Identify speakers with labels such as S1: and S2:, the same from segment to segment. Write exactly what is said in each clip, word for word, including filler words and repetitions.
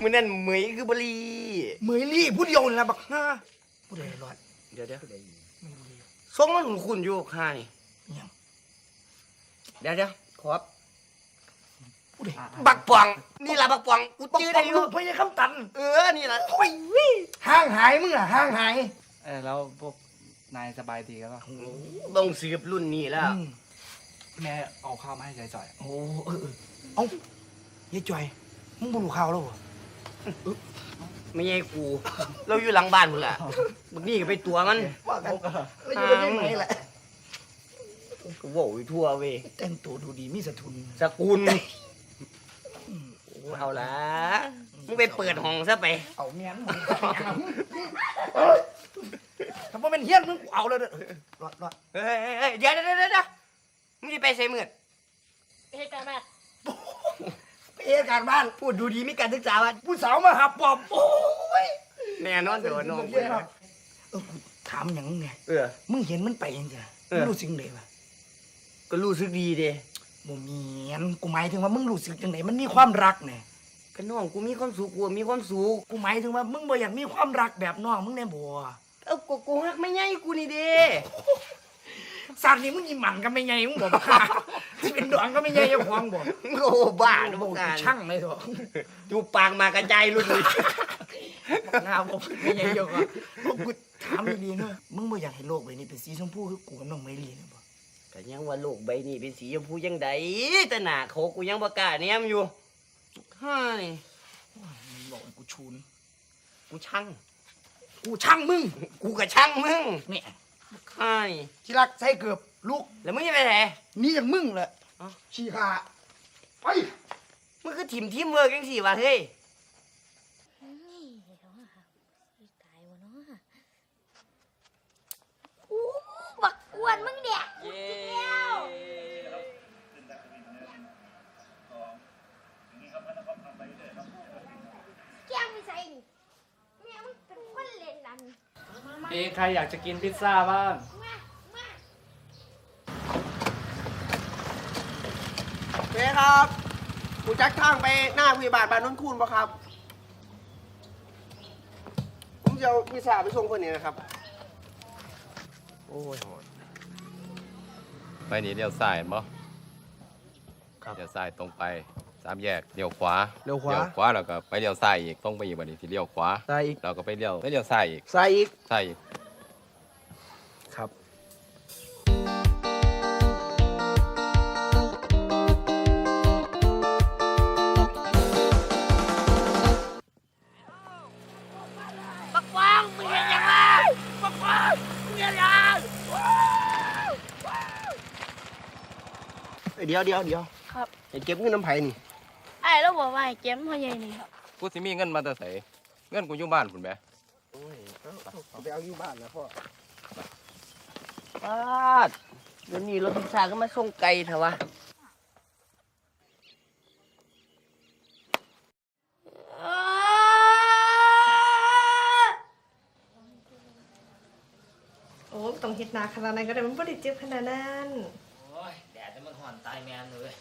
S1: มือนั่นเหมยคือบรี
S2: เหมยลี่ผู้เดียวนี่ละบักฮาผู้ใดรอด
S1: เดี๋ยวเดี๋ยว
S2: ไม่รู้เลย
S1: ทรงมันคุณอยู่ค่านี่
S2: ยัง
S1: เดี๋ยวเดี๋ยวขอบ
S2: ผู้ใด
S1: บักปองนี่ล่ะบักปองกูจื้อได้อยู่
S2: พญาคำตัน
S1: เออนี่ล่ะ
S2: โอ้ยห่างหายมึงอะห่างหาย
S3: เออแล้วพวกนายสบายดีกันป่ะ
S1: ต้องสืบรุ่นนี้แล้ว
S3: แม่เอาข้าวมาให้จ่อยๆ
S2: โอ้เออเอ้ายายจ่อยมึงบุรุษข่าวแล้วเหรอ
S1: ไม่ใช่กูเราอยู่หลังบ้านมึงแหละมึงนี่ก็ไปตัวมัน
S2: ว่ากันแล้วอยู่ที่ไหนแหละ
S1: กูโว้ยทั่วเว้ย
S2: แต่งตัวดูดีมีสกุล
S1: สกุลเอาละมึงไปเปิดห้องซะไป
S2: เอาเมียนถ้าว่าเป็นเฮี้ยนมึงเอาเลยเด้อรอดรอด
S1: เฮ้ยเดี๋ยวเดี๋ยวเดี๋ยวมึงจะไปใส่เมือด
S4: เหตุการณ์บ้าน
S2: เหตุการณ์บ้าน
S1: พูดดูดีมีการศึกษาบ้าน
S2: ผู้สาวมาหับปอบโอ้ย
S1: แน่นอนเดี๋ยวน้อง
S2: เออถามอย่างไง
S1: เออ
S2: มึงเห็นมันไปยังไงมึงรู้สึกไงวะ
S1: ก็รู้สึกดีเด้
S2: บ่มีอันกูหมายถึงว่ามึงรู้สึกยังไงมันมีความรักไง
S1: ก็น้องกูมีความสุขกูมีความสุข
S2: กูหมายถึงว่ามึงบ่อยากมีความรักแบบน้องมึงแน่บ่
S1: เอ้ากูกูฮักไม่ใหญ่กูนี่เด้
S2: สารนี้มึงยิ้มหมันก็ไม่ใหญ่มึงบอกค่ะที่เป็นดวงก็ไม่ใหญ่ยังควงบอก
S1: โอ้บ้าดูการ
S2: ช่างเลยเถอะ
S1: ดูปากมากระจายรุ่นเลย
S2: งามผมไม่ใหญ่เยอะกว่ากูถามดีๆเนอะมึงบ่อยากให้โลกใบนี้เป็นสีชมพูคือกูกับน้องไมลีนะบ่
S1: ก็ยังว่าโลกใบนี้เป็นสีชมพูยังไดแต่หน้าเขากูยังบ่กล้าแนมอยู่เฮ้ย
S2: มึงบอกกูชูน
S1: กูช่าง
S2: กูช่างมึง
S1: กูก็ช่างมึง
S2: เนี่ย
S1: ใช่
S2: ที่รักใส่เกือบลูก
S1: แล้วมึงจะไปไหน
S2: นี่อย่างมึงแหละชี้ขาไป
S1: มึงคือทีมทีมเวิร์กยังสี่วะเฮ้ย
S4: อู้บักอ้วนมึงเนี่ยแก้มไม่ใส่แม่มึงเป็นคนเล่นนั่น
S3: เอใครอยากจะกินพิซซ่าบ้าง
S5: เฮ้ครับกูจักทางไปหน้าพยาบาลบ้านนนคูนป่ะครับผมจะเอาพิซซ่าไปส่งคนนี้นะครับ
S1: โอ้ย
S6: ไปนี่เลี้ยวซ้ายมั้งเลี้ยวซ้ายตรงไปสามแยกเลี้ยวขวา
S5: เลี้ยวขวา
S6: เลี้ยวขวาแล้วก็ไปเลี้ยวซ้ายอีกตรงไปอีกวันนี้ที่เลี้ยวขวา
S5: ซ้ายอีก
S6: เราก็ไปเลี้ยวไปเลี้ยวซ้ายอีก
S5: ซ้ายอีก
S6: ซ้ายอีก
S5: ครับ
S4: บักฟางมึงเห็นยังไงบักฟางมึงเห็นยัง
S5: เดี๋ยวเดี๋ยวเดี๋ยว
S4: ครับ
S5: เก็บเงินน้ำไผ่นี่
S4: ไอ้แล้วบอกว่าเก็บพ่อใหญ่นี่ครับ
S6: กูสิมีเงินมาแต่ไสเงินกูอยู่บ้านพุ่นแหม
S5: โอ้ยเอาไปเอาอยู่บ้านนะพ่อ
S1: ป้าดเดี๋ยวนี้รถพิซซ่าก็มาส่งไก่เถอะวะ
S7: โอ้ต้องเฮ็ดนาขนาดนั้นก็ได้มันบ่ได้เจ็บขนาดนั้น
S3: โอ้ยแดดจะมันห่อนตายแมนเลย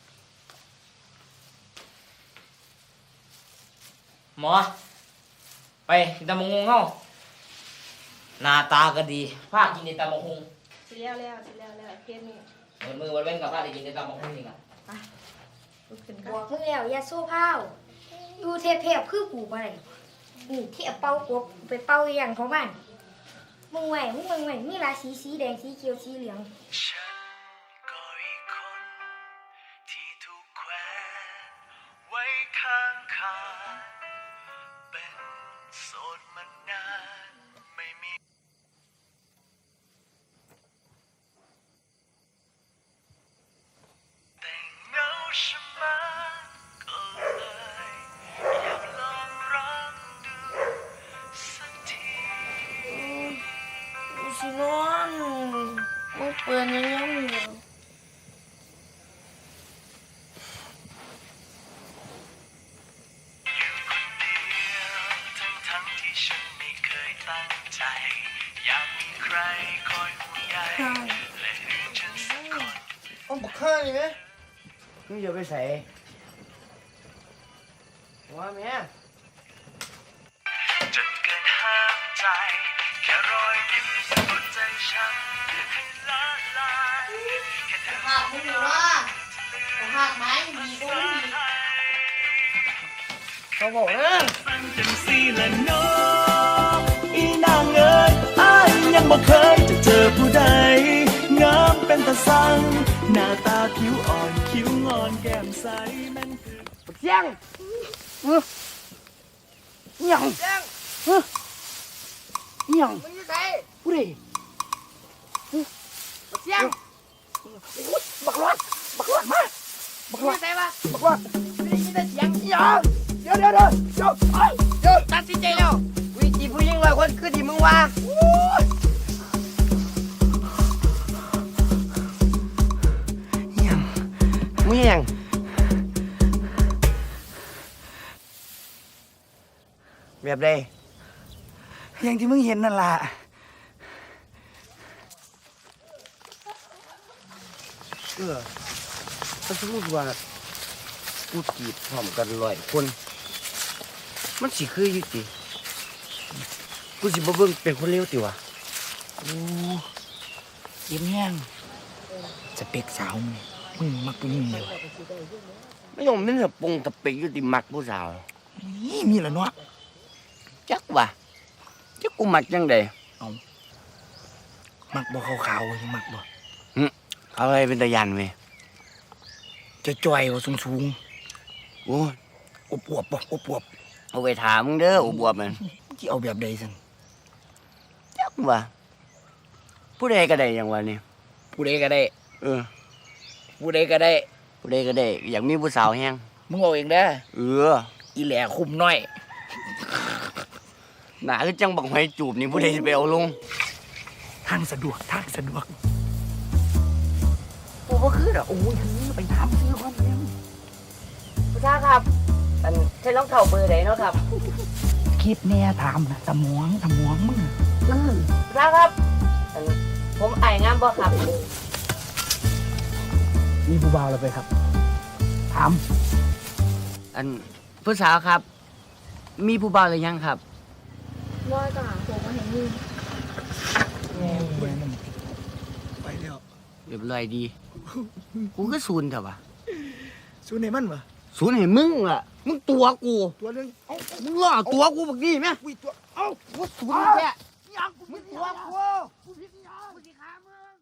S3: หมอไปกินตำมะฮุงเข้าหน้าตาก็ดีพากินในตำมะฮุง
S7: สิแล้วแล้วสิแล้วแล้วเฮ็ดนี่
S3: เหมือนมือวันเว้นกับพาได้กินในตำมะฮุงจริงอ่ะ
S7: ไปลุกขึ้น
S4: กันบอกมึงแล้วอย่าโซ่เผาอยู่เทพๆคือกูบ่ได้นี่เทียบเป่ากบไปเป่าอย่างของมันมึงไหวมึงมึงไหวมีหลายสีสีแดงสีเขียวสีเหลือง
S8: ไว้ข้างคาเป็นโสดมานานไม่มีแต่เงาใช่ไหมก็เลยอยากลองรักดูสักที
S4: กูสินอนมึงเปิดยังยังอยู่
S8: ตั้งใจอยากมีใครคอยห่วงใยและดึงฉันสักคน
S5: เอาบุกข้านี่ไหม
S1: มึงอย่าไปใส่ว่าแม่
S4: ไม่มีว่าหักไม้มีก็ไม่มี
S1: เขาบอกนะ
S8: จังสีละเน้ออีนางเอ๋ยอ้ายยังบ่เคยจะเจอผู้ใดงามเป็นตาสังหน้าตาผิวอ่อนคิ้วงอนแก้มใสแม่นคือ
S1: เสียงเฮ้ยอิหยังเสียงเฮ้ยอิหยัง
S2: มึงอยู่ไส
S1: ผู้ใด
S2: เสียง
S1: บักรอดบักรอดมา
S2: มึงอยู่ไสวะ
S1: บักรอด
S2: ได้ยินแต่เสียง
S1: อิหยังเดี๋ยวเดี๋ยวเดี๋ยวเดี๋ยวเอ้ยเดี๋ยว
S2: ตัดสินใจแล้ว
S1: วิจีผู้หญิงร้อยคนคือที่มึงว่าอิหยังมึงอิหยังแบบใด
S2: อย่างที่มึงเห็นนั่นล่ะ
S1: เออถ้าสมมติว่ากูจีบพร้อมกันร้อยคน มันสิคืออยู่ติกูสิบ่เบิ่งเป็นคนเลวติวะ
S2: โอ้ยิ้มแห้งสเปกสาวมึงมึงมักผู้หญิงเลยวะ
S1: ไม่ต้องมันสะปงตะเปกอยู่ติมักผู้สาว
S2: นี่มีละเนาะ
S1: จักว่ะจักกูมักจังได
S2: มักบ่ขาวๆยังมักบ่
S1: เอาอะไรเป็นตะยันเว้ย
S2: จะจ่อยๆบ่สูง
S1: โอ้ย
S2: ๆอบอวบบ่อบอวบ
S1: เอาไปถามมึงเด้ออุบวบมัน
S2: ที่เอาแบบใดซั่น
S1: จักว่ะผู้ใดก็ได้อย่างวะนี่
S2: ผู้ใดก็ได้
S1: เออ
S2: ผู้ใดก็ได้
S1: ผู้ใดก็ได้อยากมีผู้สาวแฮง
S2: มึงเอาเองเด้อ
S1: เออ
S2: อีแหล่คุมน้อย
S1: หนาคือจังบักหอยจูบนี่ผู้ใดสิไปเอาลง
S2: ทางสะดวกทางสะดวก
S1: กูบ่คือดอก
S2: โอ้ยทันนี้ไปถามซื้อความเร็ว
S1: ผู้ชายครับ อันใช้รองเท้าเบอร์ไหนเนาะครับ
S2: คิดแน่ถามนะสมองสมองมึง
S1: ผู้ชายครับ อันผมไอ้ายงามบ่ครับ
S2: มีผู้บ่าวแล้วไปครับ ถาม
S1: อันผู้สาวครับ มีผู้บ่าวหรือยังครับ
S4: ว่าจะหาผมมาเห็นมึง
S2: ไปแล้ว
S1: เรียบร้อยดี กูก็ศูนย์เถอะวะ
S2: สู้ในมันวะ
S1: ศูนย์เห็นมึงอ่ะ มึงตัวกู
S2: ตัวหนึงเอ้า
S1: มึงล่อตัวกูบักนี่ไหม
S2: อุ้ยตัวเอ้า
S1: กูศูนย์แค่
S2: ยังกูมึงตัวกูกูผิดยังกูสิขามึง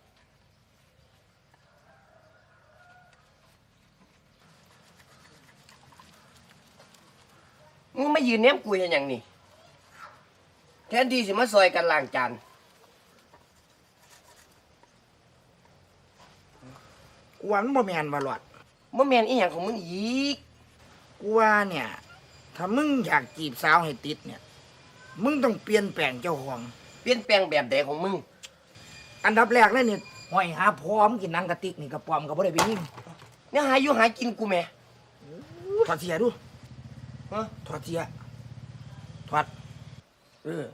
S1: มึงไม่ยืนเนี้ยกูเห็นอย่างนี้แทนที่สิมาซอยกันล้างจาน
S2: กูว่ามันบ่แม่นว่าหลอด
S1: บ่แม่นอีหยังของมึงอีก
S2: กูว่าเนี่ย ถ้ามึงอยากจีบสาวให้ติดเนี่ย มึงต้องเปลี่ยนแปลงเจ้าของ
S1: เปลี่ยนแปลงแบบใดของมึง
S2: อันดับแรกเลยเนี่ยห้อยหาพร้อมกินหนังกระติกนี่กระปอมก็บ่ได้ไปยิง
S1: เนี่ยหาอยู่หากินกูแม่
S2: ถอดเสียดู
S1: ฮะ
S2: ถอดเสียถอด
S1: เออ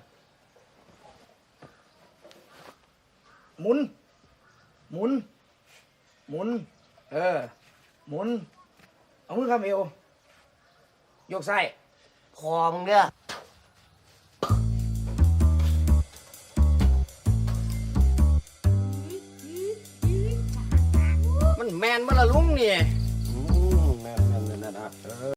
S2: หมุน หมุน หมุน
S1: เออ
S2: หมุน เอามือคำเอว ยกไส้
S1: พอมึงเด้อมันแมนบ่ละลุงนี่